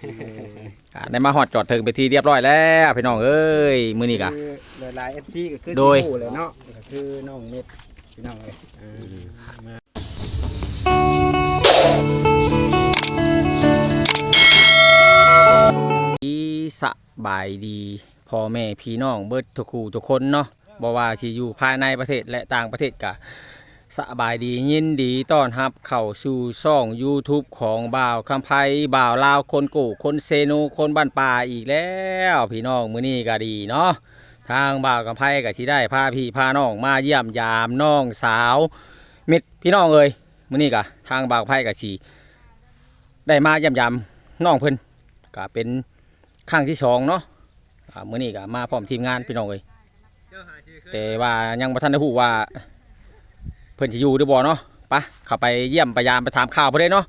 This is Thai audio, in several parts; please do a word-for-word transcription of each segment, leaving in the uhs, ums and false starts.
ได้มาฮอดจอดถึงไปที่เรียบร้อยแล้วพี่น้องเอ้ยมื้อนี้กะหลายๆ เอฟ ซี ก็คือโดยสิฮู้เลยเนาะก็คือน้องเม็ดพี่น้องเอ้ยอ่ามาสบายดีพ่อแม่พี่น้องเบิดทุกคู่ทุกคนเนาะบ่ว่าสิอยู่ภายในประเทศและต่างประเทศกะสบายดียินดีต้อนรับเข้าสู่ช่อง YouTube ของบ่าวคำไพบ่าวลาวคนกู่คนเซโนคนบ้านป่าอีกแล้วพี่น้องมื้อนี้ก็ดีเนาะทางบ่าวคำไพก็สิได้พาพี่พาน้องมาเยี่ยมยามน้องสาวมิตรพี่น้องเอ้ยมื้อนี้ก็ทางบ่าวคำไพก็สิได้มาเยี่ยมยามน้องเพิ่นก็เป็นครั้งที่สองเนาะมื้อนี้ก็มาพร้อมทีมงานพี่น้องเอ้ยแต่ว่ายังบ่ทันได้ฮู้ว่าเพิ่นสิอยู่หรือบ่เนาะไปเข้าไปเยี่ยมพยายามไปถามข่าวเพิ่นเด้เนาะ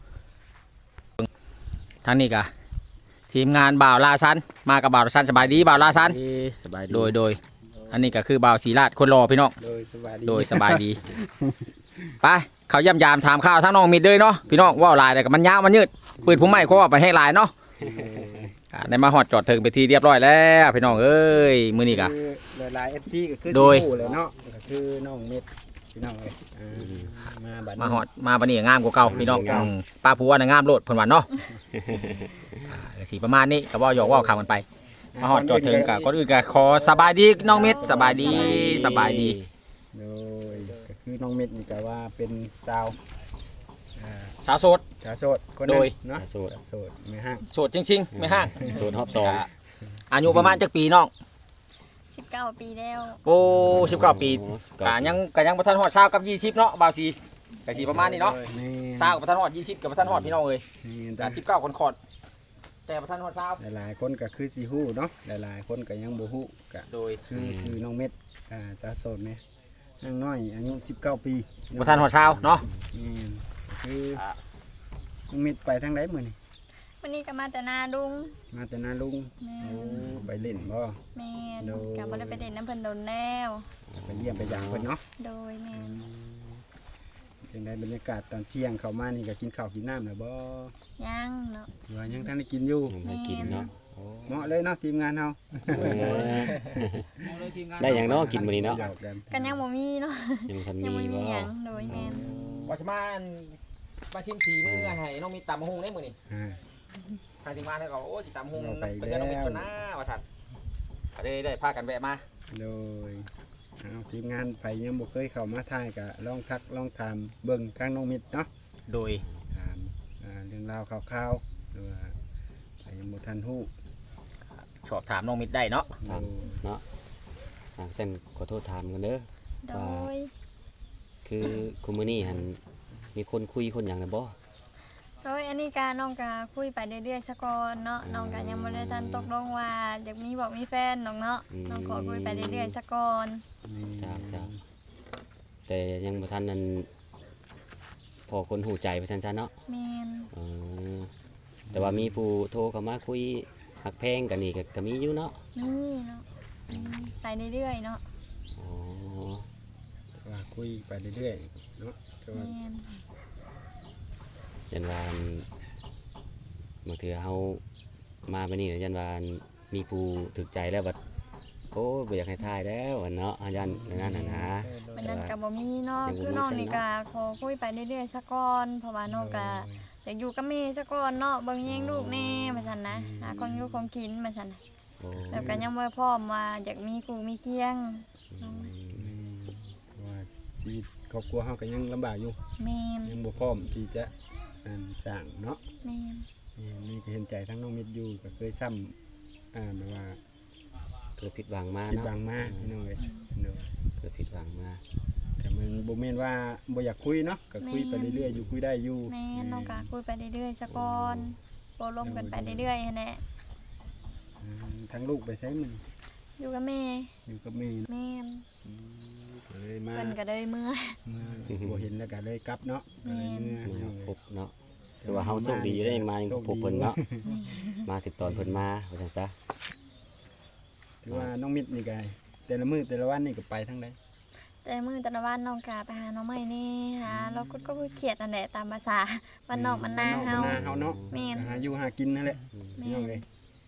ทางนี้ก็ทีมงานบ่าวลาซันมากับบ่าวลาซันสบายดีบ่าวลาซันสบายดีโดยโดยอันนี้ก็คือบ่าวศรีราชคนรอพี่น้องโดยสบายดีโดยสบายดีไปเขาเยี่ยมยามถามข่าวทั้งน้องมิดเลยเนาะพี่น้องว่าหลายแต่ก็มันยาวมันยืดปืนผู้ใหม่เขาว่าไปให้หลายเนาะได้มาฮอดจอดถึงไปที่เรียบร้อยแล้วพี่น้องเอ้ยมื้อนี้กะหลายๆ เอฟ ซี ก็คือโดยสิฮู้เลยเนาะก็คือน้องเม็ดพี่น้องเอ้ยอ่ามาบัดนี้มาฮอดมาบัดนี้งามกว่าเก่าพี่น้องอืมป้าผัวน่ะงามโลดเพิ่นว่าเนาะอ่าก็สิประมาณนี้ก็บ่หยอกเว้าคำกันไปมาฮอดจอดถึงก็ก่อนอื่นก็ขอสบายดีน้องมิดสบายดีสบายดีโดยก็คือน้องเม็ดนี่ก็ว่าเป็นสาวอ่าสาวโสดสาวโสดคนหนึโดงยเนาะโสดโสดไม่ห้างโสดจริงๆไม่ห่างโสดฮอบสองก็อายุประมาณจักปีน้องสิบเก้าปีแล้วโอ้สิบเก้าปีโอ้สิบกะเก้ายังกะยังบ่ทันฮอดเช้ากับยี่สิบเนาะบ่าวสีกะสิประมาณนี้เนาะนี่เช้ากับบ่ทันฮอดยี่สิบกับบ่ทันฮอดพี่น้องเอ้ยนี่กะสิบเก้าคนขอดแต่บ่ทันฮอดเช้าหลายๆคนก็คือสิฮู้เนาะหลายๆคนก็ยังบ่ฮู้ก็โดยคือคือน้องเม็ดอ่าสาวโสดแม่นางน้อยอายุสิบเก้าปีบ่ทันฮอดเช้าเนาะนี่คือน้องเม็ดไปทางใดมื้อนี้วันนี้ก็มาแต่นาดุงมาแต่นาลุงแม่โอ้นไปเล่นบ่แม่นโดยกับ่ได้ไปเด่นน้ำเพิ่นโดนแล้วไปเยี่ยมไปยามเพิ่นเนาะโดยแม่นจังได๋บรรยากาศตอนเที่ยงเข้ามานี่ก็กินข้าวกินน้ำแล้วบ่ยังเนาะหรือว่ายังทันได้กินอยู่ยังไม่กินเนาะโอ้เหมาะเลยเนาะทีมงานเฮาเออได้อย่างเนาะกินมื้อนี้เนาะหยอกกันกันยังบ่มีเนาะยังทันยังมีบ่มีบ่หยังโดยแม่นว่าสิมามาชิมสีมื้อให้น้องมีตำบักหุ่งได้มื้อนี้อ่าทางทีมงานเขาก็โอ้สิตำบักหุ่งเราไปไปเจอน้องมีแล้วตัวหน้าว่าซั่นก็ได้ได้พากันแวะมาโดยเอาทีมงานไปยังบ่เคยเข้ามาถ่ายก็ลองทักลองถามเบิ่งทางน้องมิตรเนาะโดยถามอ่าเรื่องราวคร่าวๆหรือว่าไปยังบ่ทันฮู้สอบถามน้องมิดได้เนาะถามเนาะทางเส้นขอโทษถามกันเด้อโดยคือคุมื้อนี้หั่นมีคนคุยคนหยังน่ะบ่โดยอันนี้ก็น้องก็คุยไปเรื่อยๆซะก่อนเนาะน้องก็ยังบ่ได้ทันตกลงว่าอยากมีบอกมีแฟนน้องเนาะน้องขอคุยไปเรื่อยๆซะก่อนจ้าจ้าแต่ยังบ่ทันนั้นพอคนหูใจไปซั่นๆเนาะแม่นเออแต่ว่ามีผู้โทรเข้ามาคุยหักแพงกันนี่ก็ก็มีอยู่เนาะมีเนาะอืมไปเรื่อยๆเนาะอ๋อว่าคุยไปเรื่อยๆเนาะแต่ว่าแม่นยันวาอันบางเทื่อเฮามาไปนี่ยันวาอันมีผู้ถึกใจแล้วบัดโอ้ยบ่อยากให้ทายแล้วอันเนาะอันยันนั่นน่ะนะวันนั้นก็บ่มีเนาะยังบ่มีคือน้องใช่นี่เนาะก็ขอคุยไปเรื่อยๆซะก่อนเพราะว่าน้องก็อยากอยู่กับแม่ซะก่อนเนาะเบิ่งแยงลูกแน่ว่าซั่นนะหาของอยู่ของกินว่าซั่นน่ะโอ้แล้วก็ยังบ่พร้อมว่าอยากมีกูมีเคียงอืมเพราะว่าชีวิตครอบครัวเฮาก็ยังลำบากอยู่แม่นยังบ่พร้อมที่จะอันสร้างเนาะแม่นนี่นี่ก็เห็นใจทั้งน้องมิตรอยู่ก็เคยซ้ำอ่าแบบว่าเกิดผิดหวังมาผิดเนาะหวังมาพี่น้องเอ้ยเนาะเกิดผิดหวังมาก็มันบ่แม่นว่าบ่อยากคุยเนาะก็คุยไปเรื่อยๆอยู่คุยได้อยู่แม่นน้องก็คุยไปเรื่อยๆซะก่อนโปรลมกันไปเรื่อยๆหั้นแหละอืมทั้งลูกไปใช้มันอยู่กับแม่อยู่กับแม่เนาะแม่นก็เลยมาเพิ่นก็เลยเมื่อมาบ่เห็นแล้วก็เลยกลับเนาะก็เลยเมื่อมาพี่น้องพเอ้ยบเนาะแต่ว่าเฮาโชคดีได้มายังพบเพิ่นเนาะมาถึงตอนเพิ่นมาว่าซั่นซะถือว่าน้องมิตรนี่ก็แต่ละมื้อแต่ละวันนี่ก็ไปทั้งใดไแต่มื้อแต่ละวันน้องก็ไปหาหน่อไม้นี่หาเราก็ก็เครียดนั่นแหละตามภาษาบ้านนอกบ้านนาบ้เฮาบ้นาเฮาเนาะแม่นหาอยู่หากินนั่นแหละแม่พี่น้องนเอ้ย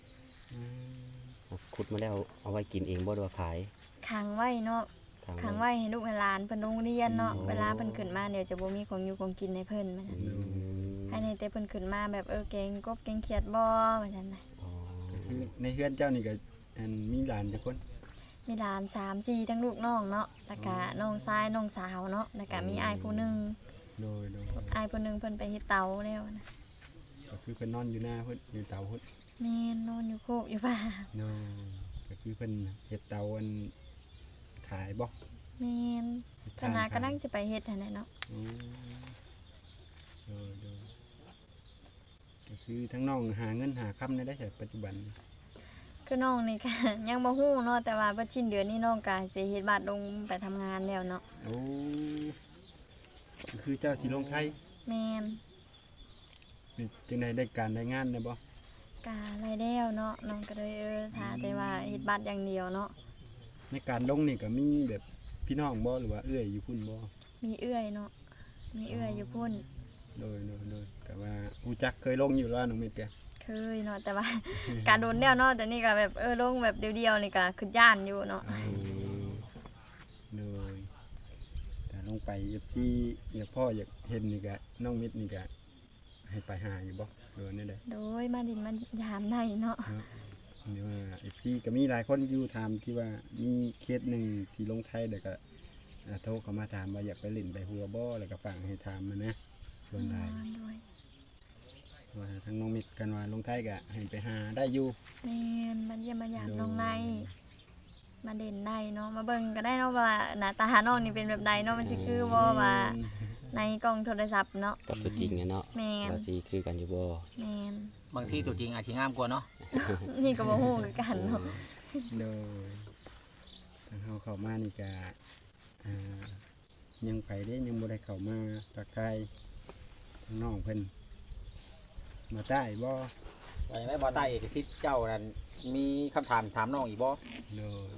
ขุดมาแล้วเอาไว้กินเองบ่หรือว่าขายขังไว้เนาะทางขังไว้ให้ลูกให้หลานเพิ่นโรงเรียนเนาะอืมเวลาเพิ่นขึ้นมาเดี๋ยวจะบ่มีของอยู่ของกินให้เพิ่นมันอืน่ะมภายในแต่เพิ่นขึ้นมาแบบเออเก่งกบเก่งเขียดบ่ว่าซั่นน่ะอ๋อคือในเฮือนเจ้านี่ก็อันมีหลานจักคนมีหลานสาม สี่ทั้งลูกน้องเนาะแล้วก็น้องชายน้องสาวเนาะแล้วก็มีอ้ายผู้หนึงโดยโดยอ้ายผู้หนึงเพิ่นไปเฮ็ดเตาแล้วนะก็คือเพิ่นนอนอยู่หน้าเพิ่นอยู่เตาเพิ่นแม่นนอนอยู่โคกอยู่ป่าโดยก็คือเพิ่นเฮ็ดเตาอันขายบ่แม่นเฮ็ดธทานนาขายกำลังจะไปเฮ็ดหั่นน่ะเนาะอืมโดยโดยก็คือทั้งน้องหาเงินหาค่ำได้ได้แต่ปัจจุบันนี้คือน้องนี่ก็ ยังบ่ฮู้เนาะแต่ว่าเบิดสิ้นเดือนนี้น้องก็สิเฮ็ดบัตรลงไปทำงานแล้วเนาะโอ้ก็คือเจ้าสิลงไทยแม่นนี่จึงได้ได้การได้งานได้บ่กะรายแล้วเนาะน้องก็เลยเออถ้าแต่ว่าเฮ็ดบัตรอย่างเดียวเนาะในการลงนี่ก็มีแบบพี่น้องบ่หรือว่าเอื้อยอยู่พุ่นบ่มีเอื้อยเนาะมีเอื้อยอยู่พุ่นโดยโดยโดยแต่ว่าฮู้จักเคยลงอยู่แล้วน้องเม็ดแกเคยเนาะแต่ว่า การโดนแล้วเนาะแต่นี่ก็แบบเออลงแบบเดียวๆนี่ก็คือย่านอยู่เนาะอืมโดยแต่ลงไป เอฟ ซี อยากพ่ออยากเห็นนี่ก็น้องมิดนี่ก็ให้ไปหาอยู่บ่หรือว่านี่แหละโดยมาดินมันยามได้เนาะเนาะหรือว่า เอฟ ซี ก็มีหลายคนอยู่ถามที่ว่ามีเคสหนึ่งที่ลงไทยเดี๋ยวก็อ่าโทรเข้ามาถามว่าอยากไปเล่นไปหัวบ่แล้วก็ฝากให้ถามมานะส่วนใดโดยว่าทั้งน้องมิดกันว่าลงไทยก็ให้ไปหาได้อยู่แม่นมาเยี่ยมมายามน้องในมาเด่นได้เนาะมาเบิ่งก็ได้เนาะว่าหน้าตาน้องนี่เป็นแบบใดเนาะมันสิคือบ่ว่าในกล้องโทรศัพท์เนาะกับตัวจริงอะเนาะแม่นว่าสิคือกันอยู่บ่แม่นบางที่ตัวจริงอาจสิงามกว่าเนาะนี่ก็บ่ฮู้คือกันเนาะโดยทางเฮาเข้ามานี่ก็อ่ายังไปได้ยังบ่ได้เข้ามาทักทายทางน้องเพิ่นมาใต้บ่ว่าอย่างไรบ่ใต้เอกสิทธิ์เจ้านั่นมีคำถามถามน้องอีกบ่โดย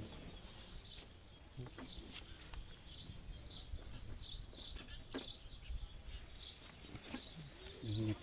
อืม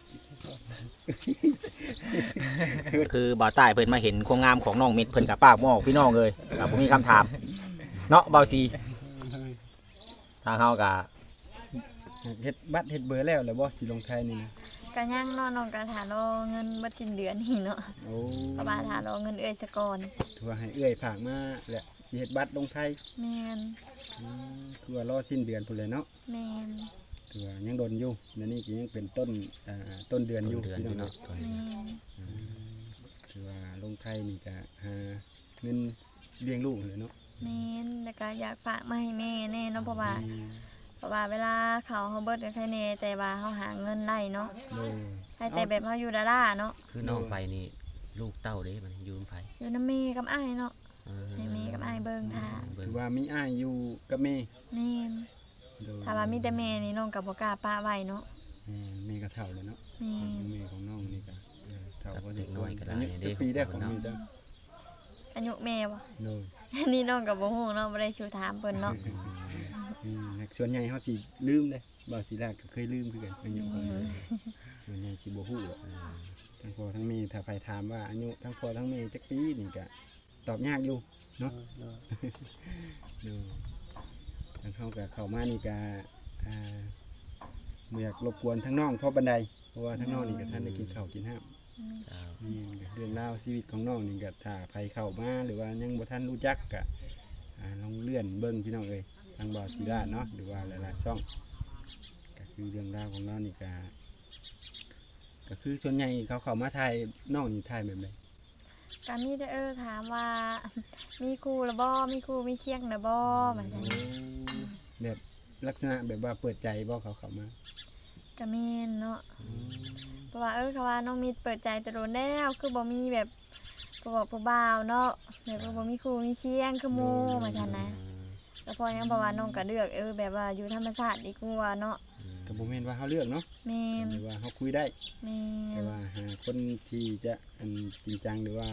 คือบ่าวใต้เพิ่นมาเห็นความงามของน้องเม็ดเพิ่นกับปากบ่ออกพี่น้องเลยก็บ่มีคำถามเนาะบ่าวซีทางเฮาก็เฮ็ดบัตรเฮ็ดเบอร์แล้วแล้วบ่สิลงไทยนี่นะก็ยังเนาะน้องก็ถารอเงินเบิดสิ้นเดือนนี่เนาะโอ้เพราะว่าถารอเงินเอ้อยซะก่อนถือว่าให้เอื้อยผากมาแหละสิเฮ็ดบัตรลงไทยแม่นอืมคือว่ารอสิ้นเดือนพุ่นเลยเนาะแม่นถือว่ายังโดนอยู่และนี่ก็ยังเป็นต้นอ่าต้นเดือนอยู่เดือนพี่อน้องยู่เนาะเนาะแม่นถือว่าลงไทยนี่ก็หาเงินเลี้ยงลูกเลยเนาะแม่นแล้วก็อยากฝากมาให้แม่แน่เนาะเพราะว่าอืมเพราะว่าเวลาเขาเฮาเบิดก็ใครแน่แต่ว่าเฮาหาเงินได้เนาะโดยให้แต่แบบเฮาอยู่ดาราเนาะคือน้องไปนี่ลูกเต้าเด้มันอยู่นำไผอยู่นำแม่กับอ้ายเนาะเออให้แม่กับอ้ายเบิ่งท่าเบิ่งถือว่ามีอ้ายอยู่กับแม่แม่นโดยถ้าว่ามีแต่แม่นี่น้องก็บ่กล้าป้าไว้เนาะแม่แม่ก็เฒ่าแล้วเนาะแม่นแม่ของน้องนี่ก็เออเฒ่ากับพอสเด็มกคน้วอรยก็อาได้ยุเด้จะปีได้ของแม่จ้ะอายุแม่บ่โดยอันนี้น้องก็บ่ฮู้เนาะบ่ได้ชูถามเพิ่นเนาะอืมส่วนใหญ่เขาสิลืมเลยบ่าวศิลาก็เคยลืมคือกันอายุของมันส่วนใหญ่สิบ่ฮู้หรอกทั้งพ่อทั้งแม่ถ้าใครถามว่าอายุทั้งพ่อทั้งแม่จักปีนี่ก็ตอบยากอยู่เนาะดูทางเขาก็เข้ามานี่ก็อ่าบ่อยากรบกวนทั้งน้องเพราะบันไดเพราะว่าทั้งน้องนี่ก็ท่านได้กินข้าวกินน้ำเจ้านี่ก็เรื่องราวชีวิตของน้องนี่ก็ถ้าใครเข้ามาหรือว่ายังบ่ทันรู้จักก็อ่าลองเลื่อนเบิ่งพี่น้องเอ้ยทางบ่าวศิลาเนาะหรือว่าหลายๆช่อง ก็คือเรื่องราวของน้องนี่ก็ก็คือส่วนใหญ่เขาเข้ามาถ่ายน้องนี่ถ่ายแบบใดก็มีแต่เออถามว่า มีครูแล้วบ่มีครูมีเคียงแล้วบ่ว่าซั่นแบบลักษณะแบบว่าเปิดใจบ่เขาเข้ามาก็แม่นเนาะเพราะว่าเออเขาว่าน้องมิตรเปิดใจแต่โดนแล้วคือบ่มีแบบผู้บอกผู้บ่าวเนาะแบบว่าบ่มีครูมีเคียงคือหมู่ว่าซั่นนะแล้วพอยังบอกว่าน้องก็เลือกเออแบบว่าอยู่ธรรมชาติดีกว่าเนาะก็บ่แม่นว่าเฮาเลือกเนาะแม่นหรือว่าเฮาคุยได้แม่แต่นว่าหาคนที่จะอันจริงจังหรือว่าค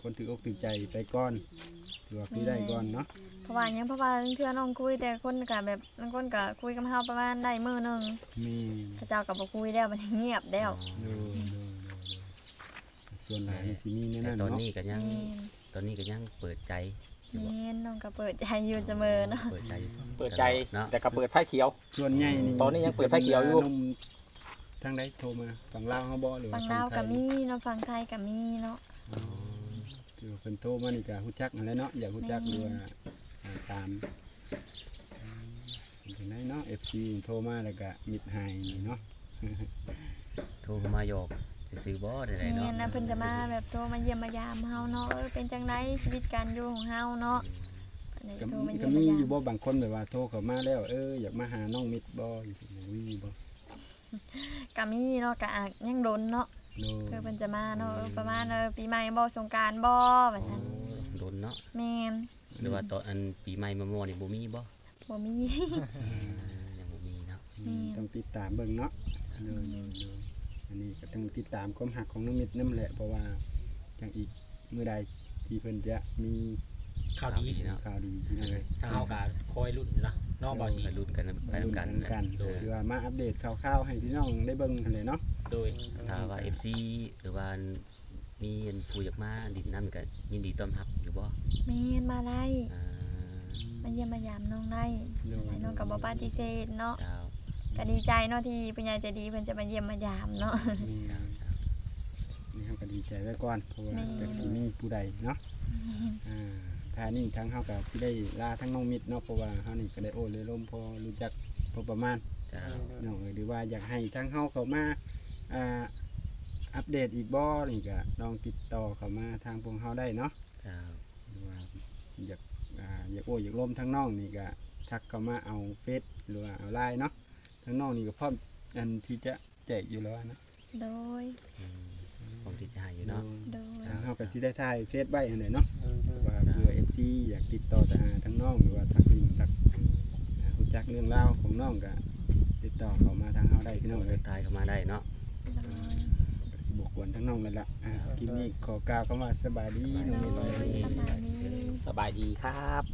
คนถืออกถือใจไปก่อนถือว่าคุยได้ก่อนเนาะเพราะว่าหยังเพราะว่าเทื่อน้องคุยแต่คนก็แบบบางคนก็คุยกับเฮาประมาณได้มื้อหนึงแม่นเขาเจ้าก็บ่คุยแล้วมันเงียบแล้วโดยโดยโดยส่วนหลายมันสิมีแน่แต่นั่นตอนเนาะนี้ก็ยังแม่นตอนนี้ก็ยังเปิดใจอยู่บ่แม่นน้องก็เปิดใจอยู่เสมอเนาะเปิดใจอยู่เปิดใจเนาะแต่ก็เปิดไฟเขียวส่วนใหญ่นี่ตอนนี้ยังเปิดไฟเขียวอยู่สิป็นหนุ่มทางใดโทรมาฝั่งลาวเฮาบ่หรือฟัว่างลาวไทก็ยมีเนาะฟังไทยก็มีเนาะอ๋อคือเพิ่นโทรมานี่ก็ฮู้จักนั่นแหละเนาะอยากฮู้จักหรือว่าอ่าตามอืมเป็นจังไดเนาะ เอฟ ซี โทรมาแล้วก็มิดหายนี่เนาะโทรเข้ามาหยอกซื้อๆบ่ได้แม่ๆเนาะนนะเพิ่นจะมาแบบโทรมาเยี่ยมมายามเฮาเนาะเออเป็นจังไดชีวิตการอยู่ของเฮาเนาะอันนี้ก็โทรมาก็เยี่ยมมีมายาอยู่มบ่บางคนแบบว่าโทรเข้ามาแล้วเอออยากมาหาน้องมิดบ่อยู่ที่มีบ่ก็มีเนาะก็อาจยังโดนเนาะโนคือเพิ่นจะมาเนาะเออประมาณเออปีใหม่บ่สงกรานต์บ่ว่าซั่นโดนเนาะแม่นหรือว่าตอนอันปีใหม่มาม่อนี่บ่มีบ่บ่มีเออยังบ่มีเนาะอืมต้องติดตามเบิ่งเนาะโนโนโนอันนี้ก็ต้องติดตามความหักของน้องมิดนำแหละเพราะว่าจังอีกมื้อใดที่เพิ่นจะมีข่าวดีเนาะข่าวดีพี่น้องเอ้ยทางเฮาก็คอยลุ้นนะน้องบ่าวสีไปลุ้นกันไปลุ้นนำกันกันเออคือว่ามาอัปเดตข่าวๆให้พี่น้องได้เบิ่งหั่นแหละเนาะโดยถ้าว่า เอฟ ซี หรือว่ามีอันผู้อยากมาดินนั่นก็ยินดีต้อนรับอยู่บ่แม่นมาได้อ่ามาเยี่ยมมายามน้องได้โดยน้องก็บ่ปฏิเสธเนาะเจ้าก็ดีใจเนาะที่ผู้ใหญ่ใจดีเพิ่นจะมาเยี่ยมมายามเนาะนี่นี่เฮาก็ดีใจไว้ก่อนเพราะว่าแม่จากสิมีผู้ใดเนาะอ่าถ้านี่ทั้งเฮาก็สิได้ลาทั้งน้องมิดเนาะเพราะว่าเฮานี่ก็ได้โอ้เลยล้มพอรู้จักพอประมาณเจ้าน้องเอ้ยหรือว่าอยากให้ทั้งเฮาเข้ามาอ่าอัปเดตอีกบ่นี่ก็ลองติดต่อเข้ามาทางพวกเฮาได้เนาะเจ้าหรือว่าอยากอ่าอยากโอ้อยากล้มทั้งน้องนี่ก็ทักเข้ามาเอาเฟซหรือว่าเอาไลน์เนาะทั้งน้องนี่ก็พร้อมอันที่จะแจกอยู่แล้วนะโดยอืมผมที่จะให้อยู่เนาะโดยทางเฮาก็สิได้ถ่ายเฟซไว้อันไหนเนาะว่าเพื่อ เอฟ ซี อยากติดต่อทางทั้งน้องหรือว่าทักลิงก์ทักอ่ารู้จักเรื่องราวของน้องก็ติดต่อเข้ามาทางเฮาได้พี่น้องทัเอ้ยกทายเข้ามาได้เนาะโดยก็สิบกวนทั้งน้องนั่นล่ะอ่าคลิปนี้ขอกล่าวคำว่าสบายดีน้องเมย์ประมาณนี้สบายดีครับ